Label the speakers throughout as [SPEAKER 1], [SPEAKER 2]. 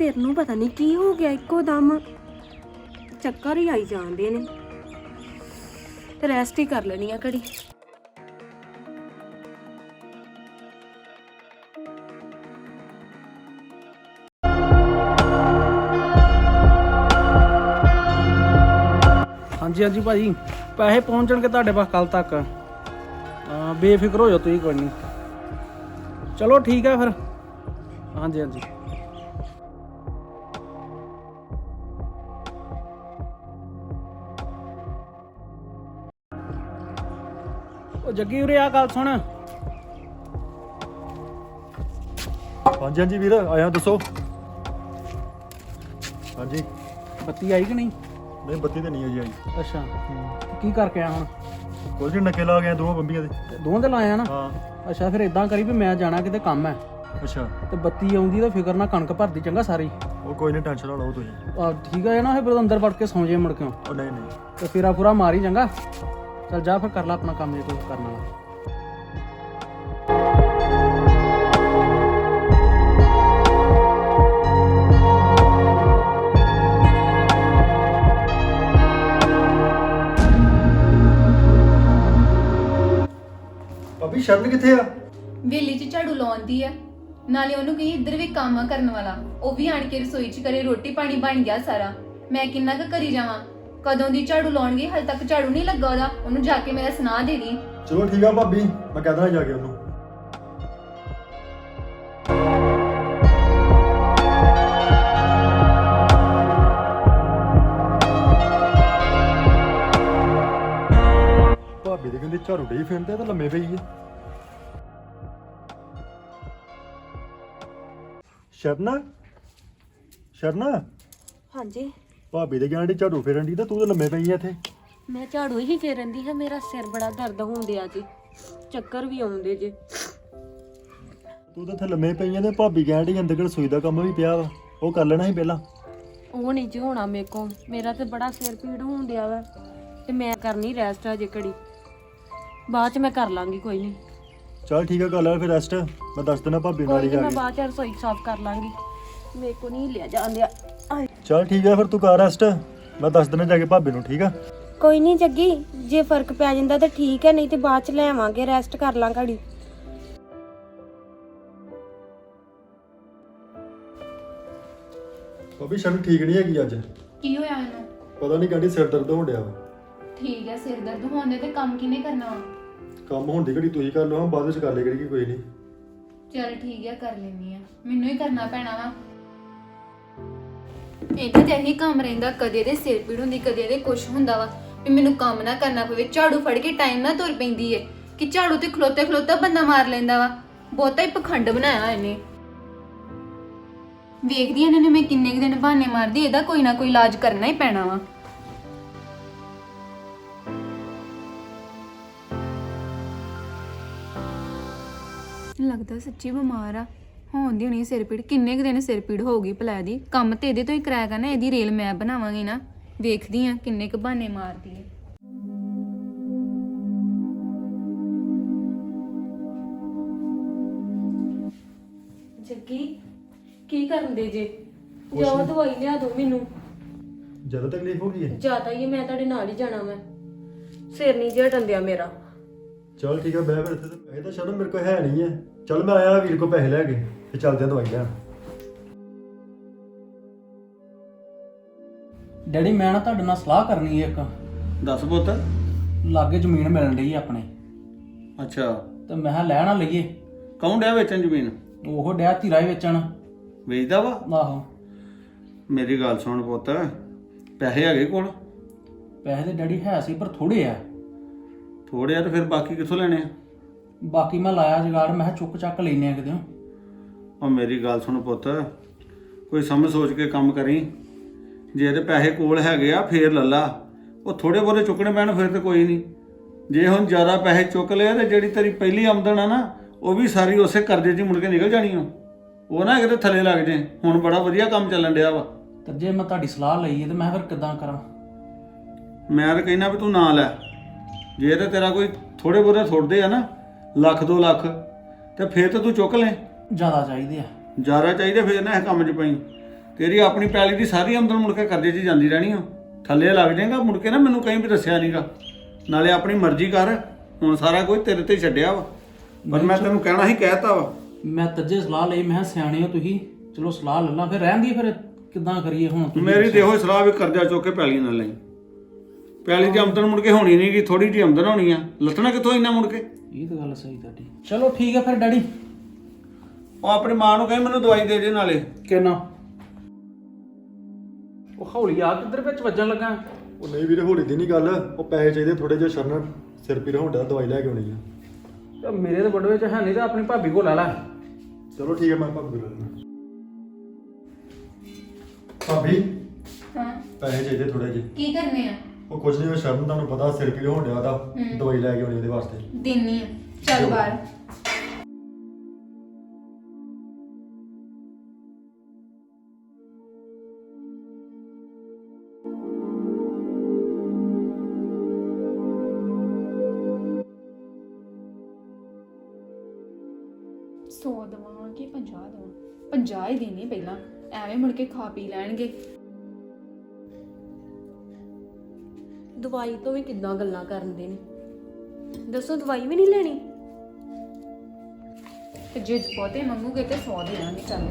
[SPEAKER 1] ਸਿਰ ਨੂੰ ਪਤਾ ਨਹੀਂ ਕੀ ਹੋ ਗਿਆ, ਇੱਕੋ ਦਮ ਚੱਕਰ ਹੀ ਆਈ ਜਾਂਦੇ ਨੇ। ਤੇ ਰੈਸਟ ਹੀ ਕਰ ਲੈਣੀ ਆ ਘੜੀ।
[SPEAKER 2] ਹਾਂਜੀ ਹਾਂਜੀ ਭਾਜੀ, ਪੈਸੇ ਪਹੁੰਚਣਗੇ ਤੁਹਾਡੇ ਪਾਸ ਕੱਲ ਤੱਕ। ਬੇਫਿਕਰ ਹੋ ਜਾਓ ਤੁਸੀਂ, ਕੋਈ ਨਹੀਂ। ਚਲੋ ਠੀਕ ਹੈ ਫਿਰ। ਹਾਂਜੀ ਹਾਂਜੀ। ਉਹ ਜੱਗੀ ਉਰੇ ਆ, ਗੱਲ ਸੁਣ।
[SPEAKER 3] ਹਾਂਜੀ ਹਾਂਜੀ ਵੀਰ, ਆਇਆ ਦੱਸੋ। ਹਾਂਜੀ।
[SPEAKER 2] ਬੱਤੀ ਆਈ ਕਿ ਨਹੀਂ?
[SPEAKER 3] ਨਹੀਂ ਬੱਤੀ ਤਾਂ ਨਹੀਂ ਆਈ ਆਈ।
[SPEAKER 2] ਅੱਛਾ, ਕੀ ਕਰਕੇ ਆਇਆ ਹੁਣ?
[SPEAKER 3] ਕੁਝ ਨਹੀਂ, ਨੱਕੇ ਲਾ ਗਏ ਦੋਵਾਂ ਬੰਬੀਆਂ ਦੇ।
[SPEAKER 2] ਦੋਵਾਂ ਦੇ ਲਾਇਆ ਨਾ?
[SPEAKER 3] ਹਾਂ।
[SPEAKER 2] ਅੱਛਾ, ਫਿਰ ਇਦਾਂ ਕਰੀ ਵੀ ਮੈਂ ਜਾਣਾ ਕਿਤੇ ਕੰਮ ਹੈ।
[SPEAKER 3] ਅੱਛਾ।
[SPEAKER 2] ਤੇ ਬੱਤੀ ਆਉਂਦੀ ਤਾਂ ਫਿਕਰ ਨਾ ਕਣਕ ਭਰਦੀ ਚੰਗਾ ਸਾਰੀ।
[SPEAKER 3] ਉਹ ਕੋਈ ਨਹੀਂ, ਟੈਨਸ਼ਨ ਨਾ ਲਓ ਤੁਸੀਂ।
[SPEAKER 2] ਠੀਕ ਹੈ ਨਾ, ਫਿਰ ਅੰਦਰ ਵੜ ਕੇ ਸੌਂ ਜੇ ਮੁੜ ਕੇ।
[SPEAKER 3] ਉਹ ਨਹੀਂ ਨਹੀਂ।
[SPEAKER 2] ਤੇ ਫੇਰਾ ਪੂਰਾ ਮਾਰੀ ਚੰਗਾ। ਚੱਲ ਜਾ ਫਿਰ, ਕਰ ਲੈ ਆਪਣਾ ਕੰਮ ਜੇ ਕੋਈ ਕਰਨ ਵਾਲਾ।
[SPEAKER 3] ਭਾਬੀ ਸ਼ਰਨ ਕਿੱਥੇ ਆ?
[SPEAKER 4] ਵੇਲੀ 'ਚ ਝਾੜੂ ਲਾਉਂਦੀ ਆ। ਨਾਲੇ ਉਹਨੂੰ ਕਹੀ ਇੱਧਰ ਵੀ ਕੰਮ ਆ ਕਰਨ ਵਾਲਾ, ਉਹ ਵੀ ਆਣ ਕੇ ਰਸੋਈ 'ਚ ਕਰੇ। ਰੋਟੀ ਪਾਣੀ ਬਣ ਗਿਆ ਸਾਰਾ, ਮੈਂ ਕਿੰਨਾ ਕੁ ਕਰੀ ਜਾਵਾਂ। ਕਦੋਂ ਦੀ ਝਾੜੂ ਲਾਉਣਗੇ, ਹਾਲੇ ਤੱਕ ਝਾੜੂ ਨਹੀਂ ਲੱਗਾ ਉਹਦਾ। ਉਹਨੂੰ ਜਾ ਕੇ ਮੇਰਾ ਸੁਣਾ ਦੇ ਦੀ।
[SPEAKER 3] ਚਲੋ ਠੀਕ ਆ ਭਾਬੀ, ਮੈਂ ਕਹਿ ਦੇਣਾ ਜਾ ਕੇ ਉਹਨੂੰ। ਭਾਬੀ ਦੇ ਕਹਿੰਦੇ ਝਾੜੂ ਡੇ ਫਿਰਦੇ ਤਾਂ ਲੰਮੇ ਪਈ ਹੈ। ਸ਼ਰਨ ਸ਼ਰਨ,
[SPEAKER 1] ਹਾਂਜੀ।
[SPEAKER 3] ਭਾਬੀ ਦੇ ਕਹਿੰਦੇ ਝਾੜੂ ਫੇਰਨ ਦੀ ਤਾਂ ਤੂੰ ਤਾਂ ਲੰਮੇ ਪਈ ਹੈ ਇੱਥੇ।
[SPEAKER 1] ਮੈਂ ਝਾੜੂ ਹੀ ਫੇਰਨ ਦੀ ਹਾਂ, ਮੇਰਾ ਸਿਰ ਬੜਾ ਦਰਦ ਹੁੰਦਿਆ ਜੀ, ਚੱਕਰ ਵੀ ਆਉਂਦੇ ਜੇ।
[SPEAKER 3] ਤੂੰ ਤਾਂ ਇੱਥੇ ਲੰਮੇ ਪਈ ਹੈ ਤੇ ਭਾਬੀ ਕਹਿੰਦੀ ਅੰਦਰ ਰਸੋਈ ਦਾ ਕੰਮ ਵੀ ਪਿਆ ਵਾ, ਉਹ ਕਰ ਲੈਣਾ ਸੀ ਪਹਿਲਾਂ।
[SPEAKER 1] ਉਹ ਨਹੀਂ ਜੀ ਹੋਣਾ ਮੇਰੇ ਕੋਲ, ਮੇਰਾ ਤੇ ਬੜਾ ਸਿਰ ਪੀੜ ਹੁੰਦਿਆ ਵਾ। ਤੇ ਮੈਂ ਕਰਨੀ ਰੈਸਟ ਅਜੇ ਘੜੀ, ਬਾਅਦ ਚ ਮੈਂ ਕਰ ਲਾਂਗੀ, ਕੋਈ ਨਹੀਂ।
[SPEAKER 3] ਚੱਲ ਠੀਕ ਆ, ਕਰ ਲੈ ਫਿਰ ਰੈਸਟ। ਮੈਂ ਦੱਸ ਦੇਣਾ ਭਾਬੀ ਨਾਲ
[SPEAKER 1] ਕੋਈ
[SPEAKER 3] ਹੀ
[SPEAKER 1] ਨਹੀਂ,
[SPEAKER 3] ਜਾ
[SPEAKER 1] ਮੈਂ
[SPEAKER 3] ਕੇ।
[SPEAKER 1] ਬਾਅਦ ਚ ਰਸੋਈ ਸਾਫ਼ ਕਰ ਲਾਂਗੀ, ਮੇਰੇ ਕੋ ਨਹੀਂ ਲਿਆ ਜਾਂਦਿਆ।
[SPEAKER 3] ਚੱਲ ਠੀਕ ਆ ਫਿਰ, ਤੂੰ ਕਰ ਰੈਸਟ। ਮੈਂ ਦੱਸ ਦੇਣਾ ਜਾ ਕੇ ਭਾਬੀ ਨੂੰ, ਠੀਕ ਆ?
[SPEAKER 1] ਕੋਈ ਨਹੀਂ ਜੱਗੀ, ਜੇ ਫਰਕ ਪੈ ਜਾਂਦਾ ਤਾਂ ਠੀਕ ਹੈ, ਨਹੀਂ ਤੇ ਬਾਅਦ ਚ ਲੈ ਆਵਾਂਗੇ। ਰੈਸਟ ਕਰ ਲਾਂ ਘੜੀ।
[SPEAKER 3] ਭਾਬੀ ਸ਼ਰਨ ਠੀਕ ਨਹੀਂ ਹੈਗੀ ਅੱਜ।
[SPEAKER 4] ਕੀ ਹੋਇਆ ਇਹਨੂੰ?
[SPEAKER 3] ਪਤਾ ਨਹੀਂ ਕਹਿੰਦੀ ਸਿਰ ਦਰਦ ਹੋਣ ਡਿਆ ਵਾ।
[SPEAKER 4] ਠੀਕ ਹੈ, ਸਿਰ ਦਰਦ ਹੋਣ ਦੇ ਤੇ ਕੰਮ ਕਿਹਨੇ ਕਰਨਾ ਵਾ?
[SPEAKER 3] ਕੰਮ ਹੋਣ ਦੀ ਘੜੀ ਤੁਸੀਂ ਕਰ ਲਓ, ਬਾਅਦ ਵਿੱਚ ਕਰ ਲੈ ਕਰੀ, ਕੋਈ ਨਹੀਂ।
[SPEAKER 4] ਚਲ ਠੀਕ ਹੈ, ਕਰ ਲੈਣੀ ਆ। ਮੈਨੂੰ ਹੀ ਕਰਨਾ ਪੈਣਾ ਵਾ। ਇਹਦਾ ਤੇ ਇਹੀ ਕੰਮ ਰਹਿੰਦਾ, ਕਦੇ ਦੇ ਸਿਰ ਪੀੜ ਹੁੰਦੀ, ਕਦੇ ਦੇ ਕੁਛ ਹੁੰਦਾ ਵਾ ਵੀ ਮੈਨੂੰ ਕੰਮ ਨਾ ਕਰਨਾ ਪਵੇ। ਝਾੜੂ ਫੜ ਕੇ ਟਾਈਮ ਨਾ ਤੁਰ ਪੈਂਦੀ ਏ ਕਿ ਝਾੜੂ ਤੇ ਖਲੋਤੇ ਖਲੋਤਾ ਬੰਦਾ ਮਾਰ ਲੈਂਦਾ ਵਾ। ਬਹੁਤਾ ਹੀ ਪਖੰਡ ਬਣਾਇਆ ਇਹਨੇ। ਵੇਖਦੀ ਇਹਨਾਂ ਨੇ ਮੈਂ ਕਿੰਨੇ ਕੁ ਦਿਨ ਬਹਾਨੇ ਮਾਰਦੀ, ਇਹਦਾ ਕੋਈ ਨਾ ਕੋਈ ਇਲਾਜ ਕਰਨਾ ਹੀ ਪੈਣਾ ਵਾ। ਲੱਗਦਾ ਸੱਚੀ ਬਿਮਾਰ ਆ, ਹੋਣ ਦੀ ਹੋਣੀ ਸਿਰ ਪੀੜ। ਕਿੰਨੇ ਕੁ ਦਿਨ ਸਿਰ ਪੀੜ ਹੋਊਗੀ ਭਲਾ ਦੀ? ਕੰਮ ਤੇ ਇਹਦੇ ਤੋਂ ਹੀ ਕਰਾਇਆ ਕਰਨਾ, ਇਹਦੀ ਰੇਲ ਮੈਂ ਬਣਾਵਾਂਗੀ ਨਾ। ਵੇਖਦੀ ਆ ਕਿੰਨੇ ਕੁ ਬਹਾਨੇ ਮਾਰਦੀ ਹੈ।
[SPEAKER 1] ਜੱਗੀ ਕੀ ਕਰਨ ਦੇ ਜੇ? ਜਾਓ ਦਵਾਈ ਲਿਆ ਦਿਓ ਮੈਨੂੰ।
[SPEAKER 3] ਜ਼ਿਆਦਾ ਤਕਲੀਫ ਹੋ ਗਈ ਹੈ?
[SPEAKER 1] ਜ਼ਿਆਦਾ ਹੀ ਹੈ, ਮੈਂ ਤੁਹਾਡੇ ਨਾਲ ਹੀ ਜਾਣਾ। ਮੈਂ ਸਿਰ ਨਹੀਂ ਜਿਹਾ ਟੰਦਿਆ ਮੇਰਾ।
[SPEAKER 3] ਚੱਲ ਠੀਕ ਆ, ਬਹਿ ਫਿਰ ਇੱਥੇ। ਤੇ ਇਹ ਤਾਂ ਸ਼ਰਨ ਮੇਰੇ ਕੋਲ ਹੈ ਨਹੀਂ ਹੈ। ਚੱਲ ਮੈਂ ਆਇਆ ਵੀਰ ਕੋਲ ਪੈਸੇ ਲੈ ਕੇ, ਤੇ ਚੱਲਦੇ ਆ ਦਵਾਈ ਲੈਣ।
[SPEAKER 2] ਡੈਡੀ, ਮੈਂ ਨਾ ਤੁਹਾਡੇ ਨਾਲ ਸਲਾਹ ਕਰਨੀ ਹੈ ਇੱਕ।
[SPEAKER 5] ਦੱਸ ਪੁੱਤ।
[SPEAKER 2] ਲਾਗੇ ਜ਼ਮੀਨ ਮਿਲਣ ਡਈ ਆਪਣੇ,
[SPEAKER 5] ਅੱਛਾ,
[SPEAKER 2] ਤੇ ਮੈਂ ਕਿਹਾ ਲੈ ਨਾ ਲਈਏ।
[SPEAKER 5] ਕੌਣ ਡਿਆ ਵੇਚਣ ਜ਼ਮੀਨ?
[SPEAKER 2] ਉਹ ਡਿਆ ਧੀਰਾ ਹੀ ਵੇਚਣ।
[SPEAKER 5] ਵੇਚਦਾ ਵਾ?
[SPEAKER 2] ਆਹੋ।
[SPEAKER 5] ਮੇਰੀ ਗੱਲ ਸੁਣ ਪੁੱਤ, ਪੈਸੇ ਹੈਗੇ ਕੋਲ?
[SPEAKER 2] ਪੈਸੇ ਤੇ ਡੈਡੀ ਹੈ ਸੀ, ਪਰ ਥੋੜੇ ਆ।
[SPEAKER 5] ਥੋੜੇ ਆ ਤੇ ਫਿਰ ਬਾਕੀ ਕਿੱਥੋਂ ਲੈਣੇ ਆ?
[SPEAKER 2] ਬਾਕੀ ਮੈਂ ਲਾਇਆ ਜੁਗਾੜ, ਮੈਂ ਕਿਹਾ ਚੁੱਕ ਚੱਕ ਲੈਨੇ ਆ ਕਿਤੇ।
[SPEAKER 5] ਉਹ ਮੇਰੀ ਗੱਲ ਸੁਣ ਪੁੱਤ, ਕੋਈ ਸਮਝ ਸੋਚ ਕੇ ਕੰਮ ਕਰੀ। ਜੇ ਇਹਦੇ ਪੈਸੇ ਕੋਲ ਹੈਗੇ ਆ ਫੇਰ ਲੱਲਾ, ਉਹ ਥੋੜੇ ਬਹੁਤੇ ਚੁੱਕਣੇ ਪੈਣ ਫਿਰ ਤੇ ਕੋਈ ਨਹੀਂ। ਜੇ ਹੁਣ ਜ਼ਿਆਦਾ ਪੈਸੇ ਚੁੱਕ ਲਏ ਤੇ ਜਿਹੜੀ ਤੇਰੀ ਪਹਿਲੀ ਆਮਦਨ ਆ ਨਾ, ਉਹ ਵੀ ਸਾਰੀ ਉਸੇ ਕਰਜ਼ੇ 'ਚ ਮੁੜ ਕੇ ਨਿਕਲ ਜਾਣੀ ਉਹ ਨਾ ਕਿਤੇ ਥੱਲੇ ਲੱਗ ਜੇ। ਹੁਣ ਬੜਾ ਵਧੀਆ ਕੰਮ ਚੱਲਣ ਡਿਆ ਵਾ।
[SPEAKER 2] ਤੇ ਜੇ ਮੈਂ ਤੁਹਾਡੀ ਸਲਾਹ ਲਈ ਹੈ ਤੇ ਮੈਂ ਫਿਰ ਕਿੱਦਾਂ ਕਰਾਂ?
[SPEAKER 5] ਮੈਂ ਤਾਂ ਕਹਿਣਾ ਵੀ ਤੂੰ ਨਾ ਲੈ। ਜੇ ਤੇ ਤੇਰਾ ਕੋਈ ਥੋੜੇ ਬਹੁਤੇ ਥੋੜਦੇ ਆ ਨਾ, ਲੱਖ 2 ਲੱਖ, ਤੇ ਫੇਰ ਤਾਂ ਤੂੰ ਚੁੱਕ ਲੈ।
[SPEAKER 2] ਜ਼ਿਆਦਾ ਚਾਹੀਦੇ ਆ।
[SPEAKER 5] ਜ਼ਿਆਦਾ ਚਾਹੀਦੇ ਫੇਰ ਨਾ ਇਹ ਕੰਮ 'ਚ ਪਈ। ਤੇਰੀ ਆਪਣੀ ਪੈਲੀ ਦੀ ਸਾਰੀ ਆਮਦਨ ਮੁੜ ਕੇ ਕਰਜ਼ੇ 'ਚ ਜਾਂਦੀ ਰਹਿਣੀ ਆ। ਥੱਲੇ ਲੱਗ ਜਾਏਗਾ ਮੁੜ ਕੇ ਨਾ ਮੈਨੂੰ ਕहीं ਵੀ ਦੱਸਿਆ ਨਹੀਂਗਾ। ਨਾਲੇ ਆਪਣੀ ਮਰਜ਼ੀ ਕਰ, ਹੁਣ ਸਾਰਾ ਕੁਝ ਤੇਰੇ ਤੇ ਛੱਡਿਆ ਵਾ। ਪਰ ਮੈਂ ਤੈਨੂੰ ਕਹਿਣਾ ਹੀ ਕਹਿਤਾ ਵਾ।
[SPEAKER 2] ਮੈਂ ਤੱਜੇ ਸਲਾਹ ਲਈ, ਮੈਂ ਕਿਹਾ ਸਿਆਣੇ ਹੋ ਤੁਸੀਂ, ਚਲੋ ਸਲਾਹ ਲੈ ਲਾਂ। ਫਿਰ ਰਹਿੰਦੀ ਫਿਰ ਕਿੱਦਾਂ ਕਰੀਏ ਹੁਣ ਤੁਸੀਂ
[SPEAKER 5] ਮੇਰੀ ਤੇ ਇਹੋ ਹੀ ਸਲਾਹ ਵੀ ਕਰਜ਼ਾ ਚੁੱਕ ਕੇ ਪੈਲੀ ਨਾਲ ਲਈ। ਪੈਲੀ ਦੀ ਆਮਦਨ ਮੁੜ ਕੇ ਹੋਣੀ ਨਹੀਂਗੀ, ਥੋੜੀ ਜਿਹੀ ਆਮਦਨ ਹੋਣੀ ਆ, ਲੱਥਣਾ ਕਿੱਥੋਂ ਇੰਨਾ ਮੁੜ ਕੇ।
[SPEAKER 2] ਇਹ ਤਾਂ ਗੱਲ ਸਹੀ ਤੁਹਾਡੀ। ਚਲੋ ਠੀਕ ਹੈ ਫਿਰ ਡੈਡੀ।
[SPEAKER 5] ਉਹ ਆਪਣੀ ਮਾਂ ਨੂੰ ਕਹੇ ਮੈਨੂੰ ਦਵਾਈ ਦੇ ਦੇ ਨਾਲੇ।
[SPEAKER 2] ਕਿੰਨਾ ਉਹ ਹੌਲੀ ਆ ਕਿੱਧਰ ਵਿੱਚ ਵੱਜਣ ਲੱਗਾ।
[SPEAKER 3] ਉਹ ਨਹੀਂ ਵੀਰੇ, ਹੌਲੀ ਦੀ ਨਹੀਂ ਗੱਲ, ਉਹ ਪੈਸੇ ਚਾਹੀਦੇ ਥੋੜੇ ਜਿਹੇ। ਸ਼ਰਨ ਸਿਰ ਪੀੜ ਹੋਣ ਡਿਆ, ਦਵਾਈ ਲੈ ਕੇ ਆਉਣੀ ਆ।
[SPEAKER 2] ਤੇ ਮੇਰੇ ਤੇ ਬੜਵੇ ਚ ਹੈ ਨਹੀਂ, ਤਾਂ ਆਪਣੀ ਭਾਬੀ ਕੋਲ ਲੈ ਲੈ।
[SPEAKER 3] ਚਲੋ ਠੀਕ ਹੈ, ਮੈਂ ਭਾਬੀ ਕੋਲ ਲੈਣਾ। ਭਾਬੀ
[SPEAKER 4] ਹਾਂ
[SPEAKER 3] ਪੈਸੇ ਚਾਹੀਦੇ ਥੋੜੇ ਜਿਹੇ।
[SPEAKER 4] ਕੀ ਕਰਨੇ ਆ?
[SPEAKER 3] ਉਹ ਕੁਝ ਨਹੀਂ, ਉਹ ਸ਼ਰਨ ਤੁਹਾਨੂੰ ਪਤਾ ਸਿਰ ਪੀੜ ਹੋਣ ਡਿਆ ਉਹਦਾ, ਦਵਾਈ ਲੈ ਕੇ ਆਉਣੀ ਉਹਦੇ ਵਾਸਤੇ।
[SPEAKER 4] ਦਿੰਨੀ ਆ, ਚੱਲ ਬਾਹਰ। ਸੌ ਦਵਾਂ ਕਿ 50 ਦਵਾਂ? 50 ਹੀ ਦੇਣੀ ਪਹਿਲਾਂ, ਐਵੇਂ ਮੁੜ ਕੇ ਖਾ ਪੀ ਲੈਣਗੇ।
[SPEAKER 1] ਦਵਾਈ ਤੋਂ ਵੀ ਕਿੱਦਾਂ ਗੱਲਾਂ ਕਰਦੇ ਨੇ, ਦੱਸੋ ਦਵਾਈ ਵੀ ਨਹੀਂ ਲੈਣੀ?
[SPEAKER 4] ਤੇ ਜੇ ਬਹੁਤੇ ਮੰਗੂਗੇ ਤੇ 100 ਦੇਣਗੇ। ਚੱਲ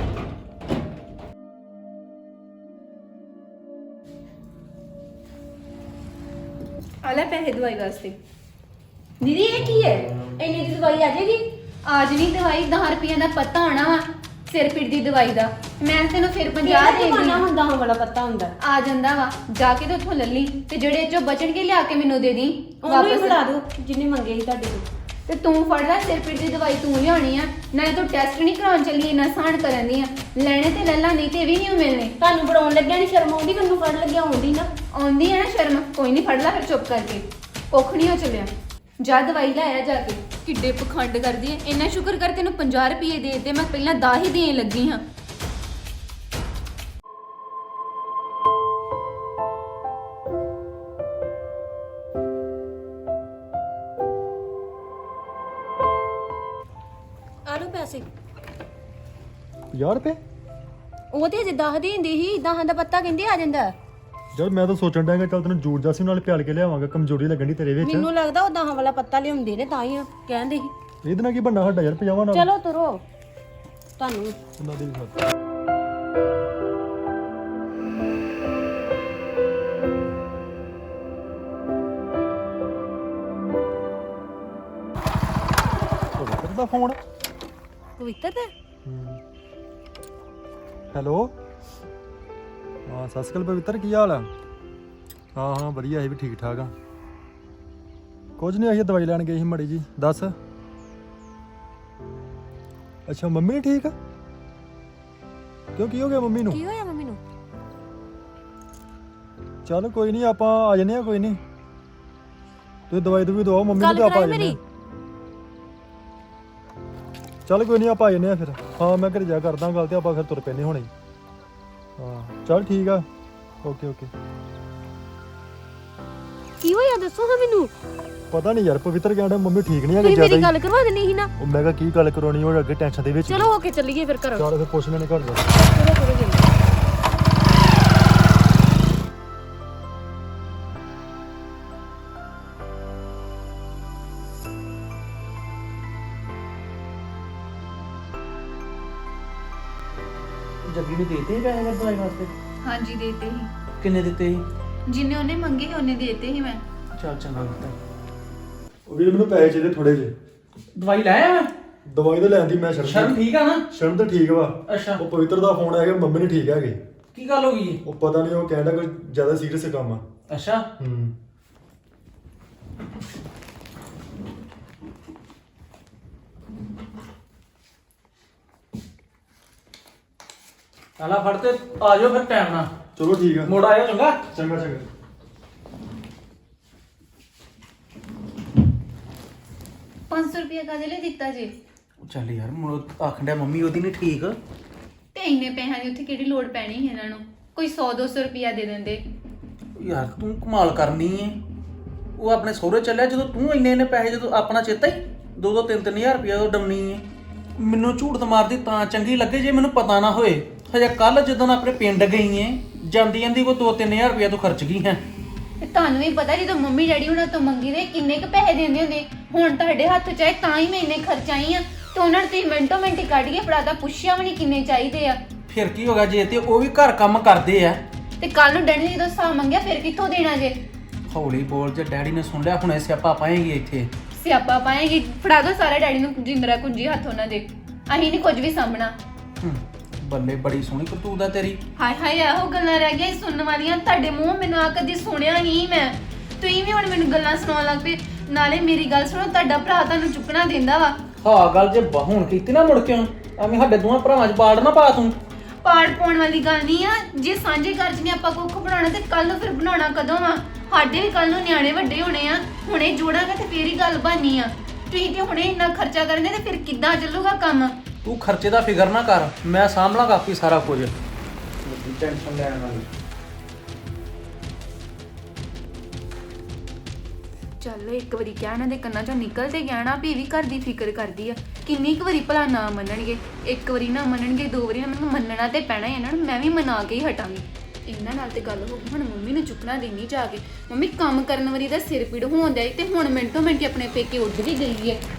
[SPEAKER 4] ਆ ਲੈ ਪੈਸੇ ਦਵਾਈ ਵਾਸਤੇ। ਦੀਦੀ ਇਹ ਕੀ ਹੈ? ਇੰਨੀ ਦੀ ਦਵਾਈ ਆ ਜਾਏਗੀ? ਅੱਜ ਨਹੀਂ ਦਵਾਈ 10 ਰੁਪਈਆਂ ਦਾ ਪੱਤਾ ਆਣਾ ਵਾ ਸਿਰ ਪੀੜ ਦੀ ਦਵਾਈ ਦਾ। ਮੈਂ ਤੈਨੂੰ ਫਿਰ 50 ਦੇ
[SPEAKER 1] ਕਿਹੜਾ
[SPEAKER 4] ਦਿੰਦੀ
[SPEAKER 1] ਹੁੰਦਾ ਵਾਲਾ ਪਤਾ ਹੁੰਦਾ?
[SPEAKER 4] ਆ ਜਾਂਦਾ ਵਾ, ਜਾ ਕੇ ਤੇ ਉੱਥੋਂ ਲੱਲੀ ਤੇ ਜਿਹੜੇ ਚੋਂ ਬਚਣਗੇ ਲਿਆ ਕੇ ਮੈਨੂੰ ਦੇ ਦੀ
[SPEAKER 1] ਉਹਨੂੰ ਹੀ ਫੜਾ ਦਿਓ ਜਿੰਨੇ ਮੰਗੇ ਸੀ ਤੁਹਾਡੇ ਕੋਲ।
[SPEAKER 4] ਤੇ ਤੂੰ ਫੜ ਲੈ ਸਿਰ ਪੀੜ ਦੀ ਦਵਾਈ, ਤੂੰ ਲਿਆਉਣੀ ਆ। ਨਾਲੇ ਤੂੰ ਟੈਸਟ ਨਹੀਂ ਕਰਾਉਣ ਚੱਲੀ, ਇੰਨਾ ਸਾਨ ਕਰਨ ਦੀ ਆ। ਲੈਣੇ ਤੇ ਲੱਲਾ, ਨਹੀਂ ਤੇ ਵੀ ਨਹੀਂ ਮਿਲਣੇ।
[SPEAKER 1] ਤੁਹਾਨੂੰ ਬਣਾਉਣ ਲੱਗਿਆ ਨਹੀਂ ਸ਼ਰਮ ਆਉਂਦੀ? ਮੈਨੂੰ ਫੜ ਲੱਗਿਆ ਆਉਂਦੀ ਨਾ।
[SPEAKER 4] ਆਉਂਦੀ ਹੈ ਨਾ ਸ਼ਰਮ? ਕੋਈ ਨਹੀਂ, ਫੜ ਲੈ ਫਿਰ ਚੁੱਪ ਕਰਕੇ। ਕੁੱਖ ਨਹੀਂ ਹੋ ਚੱਲਿਆ, ਜਾ ਦਵਾਈ ਲੈ ਆ ਜਾ ਕੇ। ਕਿੱਡੇ ਪਖੰਡ ਕਰਦੀ ਐ। ਇੰਨਾ ਸ਼ੁਕਰ ਕਰ ਤੈਨੂੰ 50 ਰੁਪਏ ਦੇ ਦਿੱਤੇ, ਮੈਂ ਪਹਿਲਾਂ 10 ਹੀ ਦੇਣ ਲੱਗੀ ਹਾਂ।
[SPEAKER 1] ਆ ਲਓ ਪੈਸੇ।
[SPEAKER 3] 50 ਰੁਪਏ?
[SPEAKER 1] ਉਹ ਤੇ ਅਜੇ 10 ਦੀ ਹੁੰਦੀ ਸੀ, 10 ਦਾ ਪੱਤਾ ਕਹਿੰਦੇ ਆ ਜਾਂਦਾ।
[SPEAKER 3] ਯਾਰ ਮੈਂ ਤਾਂ ਸੋਚਣ ਡਿਆ ਕਿ ਚੱਲ ਤੈਨੂੰ ਜੂੜ ਜਾਸੀ ਨਾਲ ਪਿਆਲ ਕੇ ਲਿਆਵਾਂਗਾ, ਕਮਜ਼ੋਰੀ ਲੱਗਣ ਦੀ ਤੇਰੇ ਵਿੱਚ।
[SPEAKER 1] ਮੈਨੂੰ ਲੱਗਦਾ ਉਹ 10 ਵਾਲਾ ਪੱਤਾ ਲਿਆਉਂਦੇ ਨੇ ਤਾਂ ਹੀ ਕਹਿੰਦੇ ਸੀ।
[SPEAKER 3] ਇਹਦੇ ਨਾਲ ਕੀ ਬੰਨਾ ਸਾਡਾ ਯਾਰ 50 ਨਾਲ?
[SPEAKER 1] ਚਲੋ ਤੁਰੋ, ਤੁਹਾਨੂੰ
[SPEAKER 3] ਉਹਨਾਂ ਦੀ ਵੀ ਖਾਤ। ਦਾ ਫੋਨ।
[SPEAKER 1] ਪਵਿੱਤਰ ਦਾ?
[SPEAKER 3] ਹੈਲੋ, ਹਾਂ ਸਤਿ ਸ਼੍ਰੀ ਅਕਾਲ ਪਵਿੱਤਰ, ਕੀ ਹਾਲ ਆ? ਹਾਂ ਹਾਂ ਵਧੀਆ, ਅਸੀਂ ਵੀ ਠੀਕ ਠਾਕ ਆ। ਕੁਝ ਨਹੀਂ, ਅਸੀਂ ਦਵਾਈ ਲੈਣ ਗਏ ਸੀ ਮੜੀ ਜੀ। ਦੱਸ। ਅੱਛਾ ਮੰਮੀ ਨੀ ਠੀਕ? ਕਿਉਂ, ਕੀ ਹੋ ਗਿਆ ਮੰਮੀ ਨੂੰ?
[SPEAKER 1] ਕੀ ਹੋਇਆ ਮੰਮੀ ਨੂੰ?
[SPEAKER 3] ਚੱਲ ਕੋਈ ਨਹੀਂ, ਆਪਾਂ ਆ ਜੰਨੇ ਆ, ਕੋਈ ਨਹੀਂ। ਤੁਸੀਂ ਦਵਾਈ ਦਵਾਓ ਮੰਮੀ ਨੂੰ
[SPEAKER 1] ਗੱਲ
[SPEAKER 3] ਤੇ ਆਪਾਂ ਆ
[SPEAKER 1] ਕਰਾਈ
[SPEAKER 3] ਜੰਨੇ
[SPEAKER 1] ਮੇਰੀ।
[SPEAKER 3] ਚੱਲ ਕੋਈ ਨਹੀਂ, ਆਪਾਂ ਆ ਜੰਨੇ ਆ ਫਿਰ। ਹਾਂ ਮੈਂ ਘਰੇ ਜਾ ਕਰਦਾ ਗੱਲ ਤੇ ਆਪਾਂ ਫਿਰ ਤੁਰ ਪੈਨੇ ਹੁਣੇ। ਹਾਂ ਚੱਲ ਠੀਕ ਆ, ਓਕੇ ਓਕੇ।
[SPEAKER 1] ਕੀ ਹੋਇਆ ਦੱਸੋ ਹਾਂ ਮੈਨੂੰ।
[SPEAKER 3] ਪਤਾ ਨਹੀਂ ਯਾਰ, ਪਵਿੱਤਰ ਕਹਿੰਦਾ ਮੰਮੀ ਠੀਕ ਨਹੀਂ ਹੈਗੀ
[SPEAKER 1] ਤੁਸੀਂ
[SPEAKER 3] ਜ਼ਿਆਦਾ
[SPEAKER 1] ਮੇਰੀ
[SPEAKER 3] ਹੀ।
[SPEAKER 1] ਗੱਲ ਕਰਵਾ ਦੇਣੀ ਸੀ ਨਾ।
[SPEAKER 3] ਉਹ ਮੈਂ ਕਿਹਾ ਕੀ ਗੱਲ ਕਰਾਉਣੀ, ਉਹ ਅੱਗੇ ਟੈਨਸ਼ਨ ਦੇ ਵਿੱਚ।
[SPEAKER 1] ਚਲੋ ਹੋ ਕੇ ਚੱਲੀਏ ਫਿਰ ਘਰੋਂ।
[SPEAKER 3] ਚੱਲ ਫਿਰ ਪੁੱਛ ਲੈਣੇ ਘਰ ਜਾ।
[SPEAKER 1] ਚਲੋ ਚਲੋ ਜੀ।
[SPEAKER 2] ਜੱਗੀ ਨੂੰ ਦੇਤੇ ਸੀ ਪੈਸੇ ਦਵਾਈ ਵਾਸਤੇ?
[SPEAKER 4] ਹਾਂਜੀ ਦੇਤੇ ਸੀ।
[SPEAKER 2] ਕਿੰਨੇ ਦਿੱਤੇ ਸੀ?
[SPEAKER 4] ਜਿੰਨੇ ਉਹਨੇ ਮੰਗੇ ਸੀ ਉਹਨੇ ਦੇਤੇ ਸੀ ਮੈਂ।
[SPEAKER 2] ਚੱਲ ਚੰਗਾ ਕੀਤਾ।
[SPEAKER 3] ਉਹ ਵੀ ਮੈਨੂੰ ਪੈਸੇ ਚਾਹੀਦੇ ਥੋੜੇ ਜਿਹੇ।
[SPEAKER 2] ਦਵਾਈ ਲੈ ਆਇਆ?
[SPEAKER 3] ਦਵਾਈ ਤਾਂ ਲੈਂਦੀ ਮੈਂ
[SPEAKER 2] ਸ਼ਰਮ ਠੀਕ ਆ ਨਾ?
[SPEAKER 3] ਸ਼ਰਨ ਤਾਂ ਠੀਕ ਵਾ।
[SPEAKER 2] ਅੱਛਾ,
[SPEAKER 3] ਉਹ ਪਵਿੱਤਰ ਦਾ ਫੋਨ ਆਇਆ ਕਿ ਮੰਮੀ ਨਹੀਂ ਠੀਕ ਹੈਗੇ।
[SPEAKER 2] ਕੀ ਗੱਲ ਹੋ ਗਈ?
[SPEAKER 3] ਉਹ ਪਤਾ ਨਹੀਂ, ਉਹ ਕਹਿੰਦਾ ਕੋਈ ਜ਼ਿਆਦਾ ਸੀਰੀਅਸ ਕੰਮ ਆ।
[SPEAKER 2] ਅੱਛਾ, ਆਲਾ ਫੜ ਤੇ ਆ ਜਾਓ ਫਿਰ ਟਾਈਮ ਨਾਲ।
[SPEAKER 3] ਚਲੋ ਠੀਕ ਆ,
[SPEAKER 2] ਮੋੜ ਆਇਓ ਚੰਗਾ।
[SPEAKER 3] ਚੰਗਾ ਚੰਗਾ।
[SPEAKER 4] ₹500 ਕਾਹਦੇ ਲਈ ਦਿੱਤਾ ਜੀ?
[SPEAKER 2] ਚੱਲ ਯਾਰ, ਮੁੜ ਆਖਣ ਡਿਆ ਮੰਮੀ ਉਹਦੀ ਨਹੀਂ ਠੀਕ।
[SPEAKER 4] ਤੇ ਇੰਨੇ ਪੈਸਿਆਂ ਦੀ ਉੱਥੇ ਕਿਹੜੀ ਲੋੜ ਪੈਣੀ ਸੀ ਇਹਨਾਂ ਨੂੰ? ਕੋਈ 100-200 ਰੁਪਇਆ ਦੇ ਦਿੰਦੇ।
[SPEAKER 2] ਯਾਰ ਤੂੰ ਕਮਾਲ ਕਰਨੀ ਏ। ਉਹ ਆਪਣੇ ਸਹੁਰੇ ਚੱਲਿਆ ਜਦੋਂ ਤੂੰ ਇੰਨੇ ਪੈਸੇ, ਜਦੋਂ ਆਪਣਾ ਚੇਤਾ ਹੀ 2-3 ਹਜ਼ਾਰ ਰੁਪਇਆ ਉਹ ਡਮਣੀ ਏ। ਮੈਨੂੰ ਝੂਠ ਮਾਰਦੀ ਤਾਂ ਚੰਗੀ ਲੱਗੇ ਜੇ ਮੈਨੂੰ ਪਤਾ ਨਾ ਹੋਏ। ਹਜੇ ਕੱਲ ਜਦੋਂ ਆਪਣੇ ਪਿੰਡ ਗਈ ਏ ਜਾਂਦੀ ਜਾਂਦੀ ਕੋ 2-3000 ਰੁਪਇਆ ਤੂੰ ਖਰਚ ਗਈ ਹੈ।
[SPEAKER 4] ਤੇ ਤੁਹਾਨੂੰ ਵੀ ਪਤਾ ਜਦੋਂ ਮੰਮੀ ਡੈਡੀ ਹੁਣਾਂ ਤੋਂ ਮੰਗੀ ਦੇ ਕਿੰਨੇ ਕ ਪੈਸੇ ਦਿੰਦੇ ਹੁੰਦੇ, ਹੁਣ ਤੁਹਾਡੇ ਹੱਥ 'ਚ ਆਏ ਤਾਂ ਹੀ ਮੈਂ ਇੰਨੇ ਖਰਚਾਈ ਆ ਤੇ ਉਹਨਾਂ ਨੂੰ ਤੁਸੀਂ ਮਿੰਟੋ ਮਿੰਟ ਹੀ ਕੱਢ ਕੇ ਫੜਾਤਾ, ਪੁੱਛਿਆ ਵੀ ਨਹੀਂ ਕਿੰਨੇ ਚਾਹੀਦੇ ਆ।
[SPEAKER 2] ਫਿਰ ਕੀ ਹੋ ਗਿਆ ਜੇ ਤੇ ਉਹ ਵੀ ਘਰ ਕੰਮ ਕਰਦੇ ਆ।
[SPEAKER 4] ਤੇ ਕੱਲ ਨੂੰ ਡੈਡੀ ਨੇ ਜਦੋਂ ਹਿਸਾਬ ਮੰਗਿਆ ਫਿਰ ਕਿੱਥੋਂ ਦੇਣਾ ਜੇ?
[SPEAKER 2] ਹੌਲੀ ਬੋਲ, ਜੇ ਡੈਡੀ ਨੇ ਸੁਣ ਲਿਆ ਹੁਣੇ ਸਿਆਪਾ ਪਾਏਗੀ ਇੱਥੇ।
[SPEAKER 4] ਸਿਆਪਾ ਪਾਏਗੀ, ਫੜਾ ਦੋ ਸਾਰਾ ਡੈਡੀ ਨੂੰ ਜਿੰਦਰਾ ਕੁੰਜੀ ਹੱਥ ਉਹਨਾਂ ਦੇ, ਅਸੀਂ ਨਹੀਂ ਕੁਝ ਵੀ ਸਾਂਭਣਾ।
[SPEAKER 2] ਬੱਲੇ ਬੜੀ ਸੋਹਣੀ ਕਰਤੂਤ ਆ ਤੇਰੀ।
[SPEAKER 4] ਹਾਏ ਹਾਏ ਇਹੋ ਗੱਲਾਂ ਰਹਿ ਗਈਆਂ ਸੁਣਨ ਵਾਲੀਆਂ ਤੁਹਾਡੇ ਮੂੰਹ, ਮੈਨੂੰ ਆ ਕਦੀ ਸੁਣਿਆ ਨਹੀਂ ਮੈਂ। ਤੁਸੀਂ ਵੀ ਹੁਣ ਮੈਨੂੰ ਗੱਲਾਂ ਸੁਣਾਉਣ ਲੱਗ ਪਏ। ਨਾਲੇ ਮੇਰੀ ਗੱਲ ਸੁਣੋ, ਤੁਹਾਡਾ ਭਰਾ ਤੁਹਾਨੂੰ ਚੁੱਕਣਾ ਦਿੰਦਾ ਵਾ?
[SPEAKER 2] ਹਾਂ ਗੱਲ ਜੇ ਹੁਣ ਕੀਤੀ ਨਾ ਮੁੜ ਕੇ ਐਵੇਂ ਸਾਡੇ ਦੋਵਾਂ ਭਰਾਵਾਂ 'ਚ ਬਾੜ ਨਾ ਪਾ ਤੂੰ।
[SPEAKER 4] ਪਾੜ ਪਾਉਣ ਵਾਲੀ ਗੱਲ ਨਹੀਂ ਆ, ਜੇ ਸਾਂਝੇ ਘਰ 'ਚ ਨੇ ਆਪਾਂ ਕੁੱਖ ਬਣਾਉਣਾ ਤੇ ਕੱਲ ਨੂੰ ਫਿਰ ਬਣਾਉਣਾ ਕਦੋਂ ਵਾ? ਸਾਡੇ ਵੀ ਕੱਲ ਨੂੰ ਨਿਆਣੇ ਵੱਡੇ ਹੋਣੇ ਆ, ਹੁਣੇ ਜੋੜਾਂਗੇ ਤੇ ਫੇਰ ਹੀ ਗੱਲ ਬਣਨੀ ਆ। ਤੁਸੀਂ ਤੇ ਹੁਣੇ ਇੰਨਾ ਖਰਚਾ ਕਰਨੇ ਤੇ ਫਿਰ ਕਿੱਦਾਂ ਚੱਲੂਗਾ ਕੰਮ?
[SPEAKER 2] ਤੂੰ ਖਰਚੇ ਦਾ ਫਿਕਰ ਨਾ ਕਰ, ਮੈਂ ਸਾਂਭ ਲਾਂਗਾ ਆਪੀ ਸਾਰਾ ਕੁਝ। ਟੈਨਸ਼ਨ ਲੈਣ ਵਾਲੀ
[SPEAKER 4] ਚੱਲ ਇੱਕ ਵਾਰੀ ਕਹਿਣਾ ਦੇ ਕੰਨਾਂ ਚੋਂ ਨਿਕਲ ਤੇ ਗਿਆ ਨਾ ਵੀ ਇਹ ਵੀ ਘਰ ਦੀ ਫਿਕਰ ਕਰਦੀ ਆ। ਕਿੰਨੀ ਕੁ ਵਾਰੀ ਭਲਾ ਨਾ ਮੰਨਣਗੇ? ਇੱਕ ਵਾਰੀ ਨਾ ਮੰਨਣਗੇ, 2 ਵਾਰੀ ਨਾ, ਮੈਨੂੰ ਮੰਨਣਾ ਤੇ ਪੈਣਾ ਹੀ ਇਹਨਾਂ ਨੂੰ। ਮੈਂ ਵੀ ਮਨਾ ਕੇ ਹੀ ਹਟਾਂਗੀ। ਇਹਨਾਂ ਨਾਲ ਤੇ ਗੱਲ ਹੋ ਗਈ, ਹੁਣ ਮੰਮੀ ਨੂੰ ਚੁੱਕਣਾ ਦੇਣੀ ਜਾ ਕੇ। ਮੰਮੀ ਕੰਮ ਕਰਨ ਵਾਲੀ ਦਾ ਸਿਰ ਪੀੜ ਹੋਣ ਡਿਆ ਤੇ ਹੁਣ ਮਿੰਟੋ ਮਿੰਟ ਆਪਣੇ ਪੇਕੇ ਉੱਡ ਵੀ ਗਈ ਹੈ।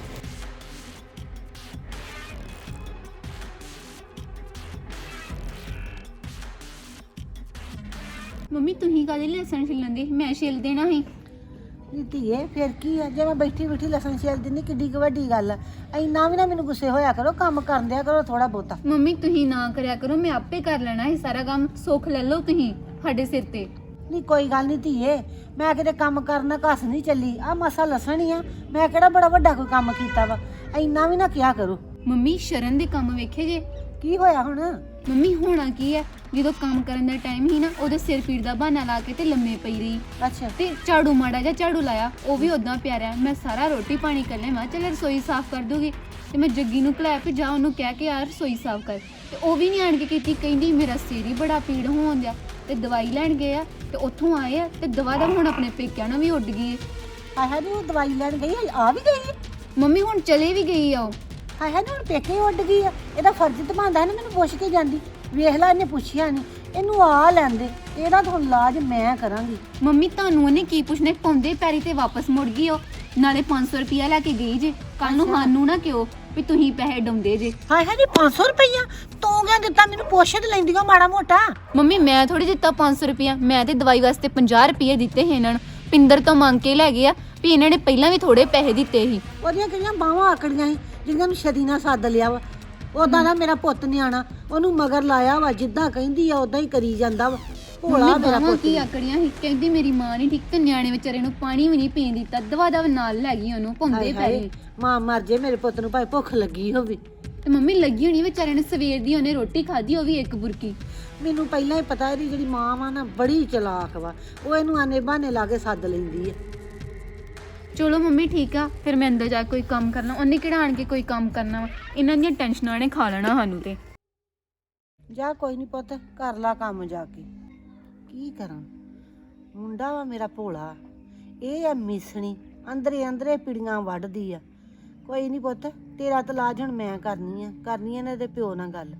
[SPEAKER 4] ਮੰਮੀ ਤੁਸੀਂ ਕਾਹਦੇ ਲਸਣ ਛਿੱਲਣ ਦੀ? ਮੈਂ ਛਿੱਲ ਦੇਣਾ ਸੀ।
[SPEAKER 6] ਨੀ ਧੀਏ ਫਿਰ ਕੀ ਆ, ਜੇ ਮੈਂ ਬੈਠੀ ਬੈਠੀ ਲਸਣ ਛਿੱਲ ਦਿੰਦੀ ਕਿੱਡੀ ਕੁ ਵੱਡੀ ਗੱਲ ਆ। ਇੰਨਾ ਵੀ ਨਾ ਮੈਨੂੰ ਗੁੱਸੇ ਹੋਇਆ ਕਰੋ, ਕੰਮ ਕਰਨ ਦਿਆ ਕਰੋ ਥੋੜਾ ਬਹੁਤਾ।
[SPEAKER 4] ਮੰਮੀ ਤੁਸੀਂ ਨਾ ਕਰਿਆ ਕਰੋ, ਮੈਂ ਆਪੇ ਕਰ ਲੈਣਾ ਹੈ ਸਾਰਾ ਕੰਮ। ਸੁੱਖ ਲੈ ਲਓ ਤੁਸੀਂ ਸਾਡੇ ਸਿਰ ਤੇ।
[SPEAKER 6] ਨਹੀਂ ਕੋਈ ਗੱਲ ਨਹੀਂ ਧੀਏ, ਮੈਂ ਕਿਤੇ ਕੰਮ ਕਰਨਾ ਘਸ ਨਹੀਂ ਚੱਲੀ। ਆ ਮਸਾ ਲਸਣ ਹੀ ਆ, ਮੈਂ ਕਿਹੜਾ ਬੜਾ ਵੱਡਾ ਕੋਈ ਕੰਮ ਕੀਤਾ ਵਾ। ਇੰਨਾ ਵੀ ਨਾ ਕਿਹਾ ਕਰੋ।
[SPEAKER 4] ਮੰਮੀ ਸ਼ਰਨ ਦੇ ਕੰਮ ਵੇਖੇ ਜੇ?
[SPEAKER 6] ਕੀ ਹੋਇਆ ਹੁਣ?
[SPEAKER 4] ਮੰਮੀ ਹੋਣਾ ਕੀ ਹੈ, ਜਦੋਂ ਕੰਮ ਕਰਨ ਦਾ ਟਾਈਮ ਹੀ ਨਾ ਉਹਦੇ ਸਿਰ ਪੀੜ ਦਾ ਬਹਾਨਾ ਲਾ ਕੇ ਤੇ ਲੰਮੇ ਪਈ ਰਹੀ
[SPEAKER 6] ਅੱਛਾ
[SPEAKER 4] ਤੇ ਝਾੜੂ ਮਾੜਾ ਜਿਹਾ ਝਾੜੂ ਲਾਇਆ, ਉਹ ਵੀ ਉਦਾਂ ਪਿਆ ਰਿਹਾ। ਮੈਂ ਸਾਰਾ ਰੋਟੀ ਪਾਣੀ ਕਰ ਲਿਆ, ਮੈਂ ਚੱਲ ਰਸੋਈ ਸਾਫ਼ ਕਰ ਦੂਗੀ। ਤੇ ਮੈਂ ਜੱਗੀ ਨੂੰ ਘਲਾਇਆ ਵੀ ਜਾ ਉਹਨੂੰ ਕਹਿ ਕੇ ਯਾਰ ਰਸੋਈ ਸਾਫ਼ ਕਰ, ਤੇ ਉਹ ਵੀ ਨਹੀਂ ਆਣ ਕੇ ਕੀਤੀ। ਕਹਿੰਦੀ ਮੇਰਾ ਸਿਰ ਹੀ ਬੜਾ ਪੀੜ ਹੋਣ ਦਿਆ। ਤੇ ਦਵਾਈ ਲੈਣ ਗਏ ਆ ਤੇ ਉੱਥੋਂ ਆਏ ਆ ਤੇ ਦਵਾ ਦਾ ਹੁਣ ਆਪਣੇ ਪੇਕਿਆਂ ਨਾਲ ਵੀ ਉੱਡ ਗਈ ਹੈ।
[SPEAKER 6] ਹਾਏ ਹਾਏ ਨੀ ਉਹ ਦਵਾਈ ਲੈਣ ਗਈ ਆ ਵੀ ਗਈ?
[SPEAKER 4] ਮੰਮੀ ਹੁਣ ਚਲੇ ਵੀ ਗਈ ਆ ਉਹ।
[SPEAKER 6] ਹਾਏ ਹਾਏ ਨੀ ਹੁਣ ਪੇਕੇ ਉੱਡ ਗਈ ਆ। ਇਹਦਾ ਫਰਜ਼ ਤਾਂ ਬਣਦਾ ਨਾ ਮੈਨੂੰ ਪੁੱਛ ਕੇ ਜਾਂਦੀ। ਵੇਖ ਲੈ ਇਹਨੇ ਪੁੱਛਿਆ ਨਹੀਂ, ਇਹਨੂੰ ਆ ਲੈਂਦੇ। ਇਹਦਾ ਤਾਂ ਹੁਣ ਇਲਾਜ ਮੈਂ ਕਰਾਂਗੀ।
[SPEAKER 4] ਮੰਮੀ ਤੁਹਾਨੂੰ ਉਹਨੇ ਕੀ ਪੁੱਛਣਾ? ਪਾਉਂਦੇ ਪੈਰੀ ਤੇ ਵਾਪਸ ਮੁੜ ਗਈ ਉਹ। ਨਾਲੇ 500 ਰੁਪਇਆ ਲੈ ਕੇ ਗਈ ਜੇ। ਕੱਲ ਨੂੰ ਸਾਨੂੰ ਨਾ ਕਿਉਂ ਵੀ ਤੁਸੀਂ ਪੈਸੇ ਡਾਉਂਦੇ ਜੇ।
[SPEAKER 6] ਹਾਏ ਹਾਏ ਨੀ 500 ਰੁਪਈਆ ਤੂੰ ਕਿਉਂ ਦਿੱਤਾ? ਮੈਨੂੰ ਪੁੱਛ ਤੇ ਲੈਂਦੀਆਂ ਮਾੜਾ ਮੋਟਾ।
[SPEAKER 4] ਮੰਮੀ ਮੈਂ ਥੋੜੀ ਦਿੱਤਾ 500 ਰੁਪਇਆ, ਮੈਂ ਤੇ ਦਵਾਈ ਵਾਸਤੇ 50 ਰੁਪਏ ਦਿੱਤੇ ਸੀ ਇਹਨਾਂ ਨੂੰ। ਪਿੰਦਰ ਤੋਂ ਮੰਗ ਕੇ ਲੈ ਗਏ ਆ ਵੀ ਇਹਨਾਂ ਨੇ ਪਹਿਲਾਂ ਵੀ ਥੋੜੇ ਪੈਸੇ ਦਿੱਤੇ ਸੀ।
[SPEAKER 6] ਉਹਦੀਆਂ ਕਿਹੜੀਆਂ ਬਾਹਾਂ ਆਕੜੀਆਂ ਸੀ ਜਿਹੜੀਆਂ ਨੂੰ ਛਦੀ ਨਾਲ ਸੱਦ ਲਿਆ ਵਾ। ਉਦਾਂ ਦਾ ਮੇਰਾ ਪੁੱਤ ਨਿਆਣਾ, ਉਹਨੂੰ ਮਗਰ ਲਾਇਆ ਵਾ। ਜਿੱਦਾਂ ਕਹਿੰਦੀ ਆ ਉਦਾਂ ਹੀ ਕਰੀ ਜਾਂਦਾ ਵਾ। ਭੋਲਾ ਮੇਰਾ
[SPEAKER 4] ਮੰਮੀ
[SPEAKER 6] ਪੁੱਤ।
[SPEAKER 4] ਕੀ ਆਕੜੀਆਂ ਸੀ? ਕਹਿੰਦੀ ਮੇਰੀ ਮਾਂ ਨਹੀਂ ਠੀਕ ਤੇ ਨਿਆਣੇ ਵਿਚਾਰੇ ਨੂੰ ਪਾਣੀ ਵੀ ਨਹੀਂ ਪੀਣ ਦਿੱਤਾ। ਦਵਾ ਦਵ ਨਾਲ ਲੈ ਗਈ ਉਹਨੂੰ, ਪਾਉਂਦੇ
[SPEAKER 6] ਹਾਏ
[SPEAKER 4] ਪੈਰੀ।
[SPEAKER 6] ਹਾਏ, ਮਾਂ ਮਰ ਜੇ ਮੇਰੇ ਪੁੱਤ ਨੂੰ ਭਾਵੇਂ ਭੁੱਖ ਲੱਗੀ ਹੋਵੇ।
[SPEAKER 4] ਤੇ ਮੰਮੀ ਲੱਗੀ ਹੋਣੀ ਵਿਚਾਰੇ ਨੇ, ਸਵੇਰ ਦੀ ਉਹਨੇ ਰੋਟੀ ਖਾਧੀ, ਉਹ ਵੀ ਇੱਕ ਬੁਰਕੀ।
[SPEAKER 6] ਮੈਨੂੰ ਪਹਿਲਾਂ ਹੀ ਪਤਾ ਇਹਦੀ ਜਿਹੜੀ ਮਾਂ ਵਾ ਨਾ ਬੜੀ ਚਲਾਕ ਵਾ। ਉਹ ਇਹਨੂੰ ਆਨੇ ਬਹਾਨੇ ਲਾ ਕੇ ਸੱਦ ਲੈਂਦੀ ਹੈ।
[SPEAKER 4] ਚਲੋ ਮੰਮੀ ਠੀਕ ਆ, ਫਿਰ ਮੈਂ ਅੰਦਰ ਜਾ ਕੇ ਕੋਈ ਕੰਮ ਕਰਨਾ। ਉਹਨੇ ਕਿਹੜਾ ਆਣ ਕੇ ਕੋਈ ਕੰਮ ਕਰਨਾ ਵਾ? ਇਹਨਾਂ ਦੀਆਂ ਟੈਨਸ਼ਨਾਂ ਨੇ ਖਾ ਲੈਣਾ ਸਾਨੂੰ ਤੇ।
[SPEAKER 6] ਜਾ ਕੋਈ ਨਹੀਂ ਪੁੱਤ, ਕਰ ਲਾ ਕੰਮ ਜਾ ਕੇ। ਕੀ ਕਰਾਂ, ਮੁੰਡਾ ਵਾ ਮੇਰਾ ਭੋਲਾ, ਇਹ ਆ ਮਿਸਣੀ, ਅੰਦਰੇ ਅੰਦਰੇ ਪਿੜੀਆਂ ਵੱਢਦੀ ਆ। ਕੋਈ ਨਹੀਂ ਪੁੱਤ, ਤੇਰਾ ਤਾਂ ਇਲਾਜ ਹੁਣ ਮੈਂ ਕਰਨੀ ਆ ਇਹਨਾਂ ਦੇ ਪਿਓ ਨਾਲ ਗੱਲ।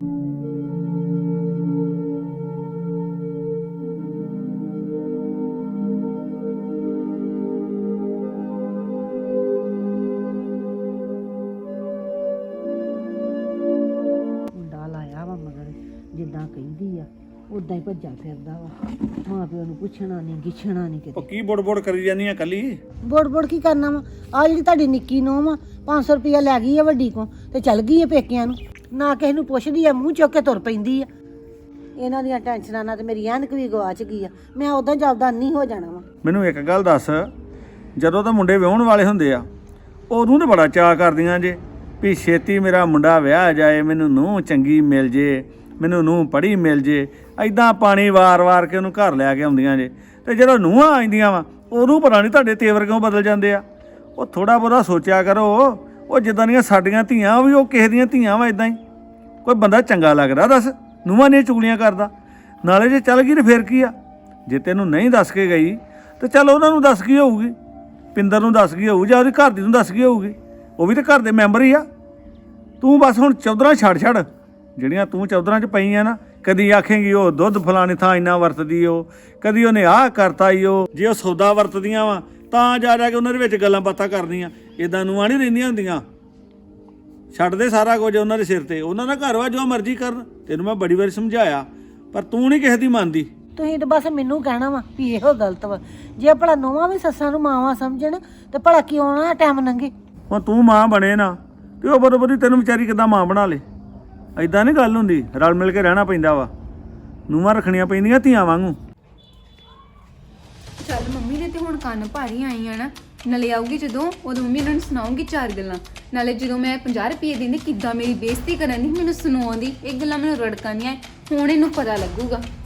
[SPEAKER 6] ਮੁੰਡਾ ਲਾਇਆ ਵਾ ਮਗਰ, ਜਿੱਦਾਂ ਕਹਿੰਦੀ ਆ ਉਦਾਂ ਹੀ ਭੱਜਾ ਫਿਰਦਾ ਵਾ। ਮਾਂ ਪਿਓ ਨੂੰ ਪੁੱਛਣਾ ਨਹੀਂ ਗਿੱਛਣਾ ਨਹੀਂ
[SPEAKER 5] ਉਹ
[SPEAKER 6] ਕਿਤੇ।
[SPEAKER 5] ਕੀ ਬੁੜ ਕਰੀ ਜਾਂਦੀ ਆ ਕੱਲੀ?
[SPEAKER 6] ਬੋੜ ਕੀ ਕਰਨਾ ਵਾ? ਆ ਜਿਹੜੀ ਤੁਹਾਡੀ ਨਿੱਕੀ ਨੂੰਹ ਵਾ 500 ਰੁਪਇਆ ਲੈ ਗਈ ਆ ਵੱਡੀ ਕੋ ਤੇ ਚੱਲ ਗਈ ਆ ਪੇਕਿਆਂ ਨੂੰ। ਨਾ ਕਿਸੇ ਨੂੰ ਪੁੱਛਦੀ ਆ, ਮੂੰਹ ਚੁੱਕ ਕੇ ਤੁਰ ਪੈਂਦੀ ਆ। ਇਹਨਾਂ ਦੀਆਂ ਟੈਨਸ਼ਨਾਂ ਨਾਲ ਤੇ ਮੇਰੀ ਐਨਕ ਵੀ ਗਵਾਚ ਗਈ ਆ। ਮੈਂ ਉਦਾਂ ਜਾਪਦਾ ਨਹੀਂ ਹੋ ਜਾਣਾ ਵਾ।
[SPEAKER 5] ਮੈਨੂੰ ਇੱਕ ਗੱਲ ਦੱਸ, ਜਦੋਂ ਤਾਂ ਮੁੰਡੇ ਵਿਆਹੁਣ ਵਾਲੇ ਹੁੰਦੇ ਆ ਉਹਨੂੰ ਤਾਂ ਬੜਾ ਚਾਅ ਕਰਦੀਆਂ ਜੇ ਵੀ ਛੇਤੀ ਮੇਰਾ ਮੁੰਡਾ ਵਿਆਹ ਜਾਏ, ਮੈਨੂੰ ਨੂੰਹ ਚੰਗੀ ਮਿਲ ਜੇ, ਮੈਨੂੰ ਨੂੰਹ ਪੜ੍ਹੀ ਮਿਲ ਜੇ। ਐਦਾਂ ਪਾਣੀ ਵਾਰ-ਵਾਰ ਕੇ ਉਹਨੂੰ ਘਰ ਲੈ ਕੇ ਆਉਂਦੀਆਂ ਜੇ। ਤੇ ਜਦੋਂ ਨੂੰਹਾਂ ਆਉਂਦੀਆਂ ਵਾ ਉਹਨੂੰ ਪਤਾ ਨਹੀਂ ਤੁਹਾਡੇ ਤੇਵਰ ਕਿਉਂ ਬਦਲ ਜਾਂਦੇ ਆ। ਉਹ ਥੋੜਾ ਬਹੁਤਾ ਸੋਚਿਆ ਕਰੋ। ਉਹ ਜਿੱਦਾਂ ਦੀਆਂ ਸਾਡੀਆਂ ਧੀਆਂ ਉਹ ਵੀ ਉਹ ਕਿਸੇ ਦੀਆਂ ਧੀਆਂ ਵਾ। ਇਦਾਂ ਹੀ ਕੋਈ ਬੰਦਾ ਚੰਗਾ ਲੱਗਦਾ ਦੱਸ, ਨੂੰਹਾਂ ਦੀਆਂ ਚੁਗਲੀਆਂ ਕਰਦਾ? ਨਾਲੇ ਜੇ ਚੱਲ ਗਈ ਤੇ ਫਿਰ ਕੀ ਆ? ਜੇ ਤੈਨੂੰ ਨਹੀਂ ਦੱਸ ਕੇ ਗਈ ਤੇ ਚੱਲ ਉਹਨਾਂ ਨੂੰ ਦੱਸ ਗਈ ਹੋਊਗੀ, ਪਿੰਦਰ ਨੂੰ ਦੱਸ ਗਈ ਹੋਊ, ਜਾਂ ਉਹਦੀ ਘਰ ਦੀ ਨੂੰ ਦੱਸ ਗਈ ਹੋਊਗੀ। ਉਹ ਵੀ ਤਾਂ ਘਰ ਦੇ ਮੈਂਬਰ ਹੀ ਆ। ਤੂੰ ਬਸ ਹੁਣ ਚੌਧਰਾਂ ਛੱਡ ਜਿਹੜੀਆਂ ਤੂੰ ਚੌਧਰਾਂ 'ਚ ਪਈ ਆ ਨਾ, ਕਦੀ ਆਖੇਂਗੀ ਉਹ ਦੁੱਧ ਫਲਾਣੇ ਥਾਂ ਇੰਨਾ ਵਰਤਦੀ ਉਹ, ਕਦੀ ਉਹਨੇ ਆਹ ਕਰਤਾ ਈ ਉਹ। ਜੇ ਉਹ ਸੌਦਾ ਵਰਤਦੀਆਂ ਵਾ ਤਾਂ ਜਾ ਕੇ ਉਹਨਾਂ ਦੇ ਵਿੱਚ ਗੱਲਾਂ ਬਾਤਾਂ ਕਰਨੀਆਂ, ਇਦਾਂ ਨੂੰਹਾਂ ਨਹੀਂ ਰਹਿੰਦੀਆਂ ਹੁੰਦੀਆਂ। ਛੱਡ ਦੇ ਸਾਰਾ ਕੁਝ ਉਹਨਾਂ ਦੇ ਸਿਰ ਤੇ, ਉਹਨਾਂ ਦਾ ਘਰ ਵਾ, ਜੋ ਮਰਜ਼ੀ ਕਰਨ। ਤੈਨੂੰ ਮੈਂ ਬੜੀ ਵਾਰੀ ਸਮਝਾਇਆ ਪਰ ਤੂੰ ਨਹੀਂ ਕਿਸੇ ਦੀ ਮੰਨਦੀ।
[SPEAKER 6] ਤੁਸੀਂ ਤਾਂ ਬਸ ਮੈਨੂੰ ਕਹਿਣਾ ਵਾ ਵੀ ਇਹੋ ਗਲਤ ਵਾ। ਜੇ ਭਲਾ ਨੂੰਹਾਂ ਵੀ ਸੱਸਾਂ ਨੂੰ ਮਾਵਾਂ ਸਮਝਣ ਤੇ ਭਲਾ ਕਿਉਂ ਨਾ ਟਾਈਮ ਲੰਘੇ।
[SPEAKER 5] ਹੁਣ ਤੂੰ ਮਾਂ ਬਣੇ ਨਾ ਤੇ ਉਹ ਬਰੋਬਰੀ ਤੈਨੂੰ ਵਿਚਾਰੀ ਕਿੱਦਾਂ ਮਾਂ ਬਣਾ ਲੇ। ਐਦਾਂ ਨਹੀਂ ਗੱਲ ਹੁੰਦੀ, ਰਲ ਮਿਲ ਕੇ ਰਹਿਣਾ ਪੈਂਦਾ ਵਾ। ਨੂੰਹਾਂ ਰੱਖਣੀਆਂ ਪੈਂਦੀਆਂ ਧੀਆਂ ਵਾਂਗੂ।
[SPEAKER 4] ਚੱਲ ਮੰਮੀ ਨੇ ਤੇ ਹੁਣ ਕੰਨ ਭਾਰੀ ਆਈ ਆ ਨਾ, ਨਾਲੇ ਆਊਗੀ ਜਦੋਂ ਉਦੋਂ ਮੰਮੀ ਇਹਨਾਂ ਨੂੰ ਸੁਣਾਉਂਗੀ 4 ਗੱਲਾਂ। ਨਾਲੇ ਜਦੋਂ ਮੈਂ 50 ਰੁਪਏ ਦਿੰਦੀ ਕਿੱਦਾਂ ਮੇਰੀ ਬੇਇੱਜ਼ਤੀ ਕਰਨ ਦੀ ਮੈਨੂੰ ਸੁਣਾਉਂਦੀ, ਇਹ ਗੱਲਾਂ ਮੈਨੂੰ ਰੜਕਾਂ ਨਹੀਂ ਆਏ। ਹੁਣ ਇਹਨੂੰ ਪਤਾ ਲੱਗੂਗਾ।